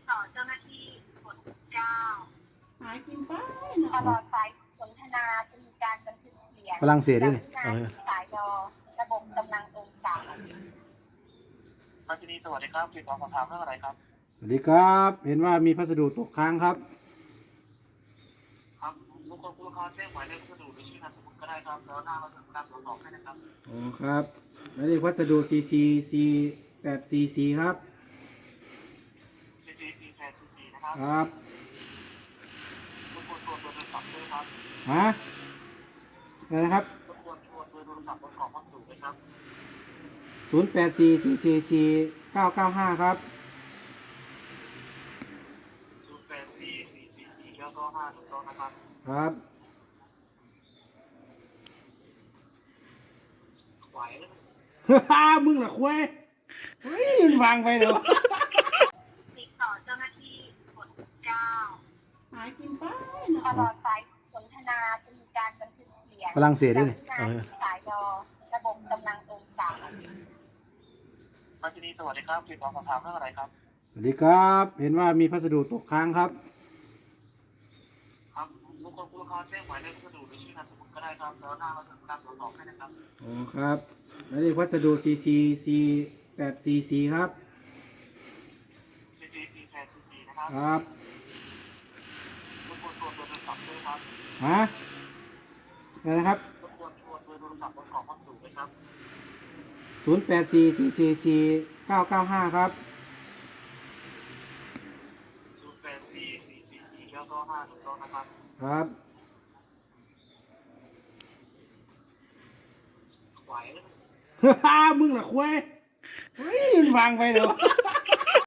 ต่อเจ้าหน้าที่กด9 หากินไปตลอดสายสนทนาจะมีการบันทึกเสียงฝรั่งเศสด้วยนี่จากสายรอระบบกำลังองศาพัชนีสวัสดีครับติดต่อสอบถามเรื่องอะไรครับสวัสดีครับ เห็นว่ามีพัสดุตกค้างครับครับลูกค้าแจ้งหมายเลขพัสดุหรือชื่อนามสกุลก็ได้ครับแล้วหน้าเราจะรับตรวจสอบให้นะครับอ๋อครับหมายเลขพัสดุ CC 844ครับ CCP แทน CC นะครับครับรบกวนตรวจโทรศัพท์ด้วยครับฮะอะไรนะครับรบกวนตรวจโทรศัพท์บนกล่องพัสดุด้วยครับ 084444 995ครับ 084444แล้วก็5ถูกต้องนะครับครับไหวไหมมึงเหรอควายเฮ้ยมันวางไปเดี๋ยวติดต่อเจ้าหน้าที่กด9 หากินไปตลอดสายสนทนาจะมีการบันทึกเสียงฝรั่งเศสด้วยนี่จากสายรอระบบกำลังองศาพัชนีสวัสดีครับติดต่อสอบถามเรื่องอะไรครับสวัสดีครับ เห็นว่ามีพัสดุตกค้างครับครับลูกค้าแจ้งหมายเลขพัสดุหรือชื่อนามสกุลก็ได้ครับแล้วหน้าเราจะรับตรวจสอบให้นะครับอ๋อครับหมายเลขพัสดุ CC 844ครับ CCP แทน CC นะครับครับรบกวนตรวจโทรศัพท์ด้วยครับฮะอะไรนะครับรบกวนตรวจโทรศัพท์บนกล่องพัสดุด้วยครับ 084444 995ครับ 084444แล้วก็5ถูกต้องนะครับครับไหวไหมมึงเหรอควายเฮ้ยมันวางไปเดี๋ยว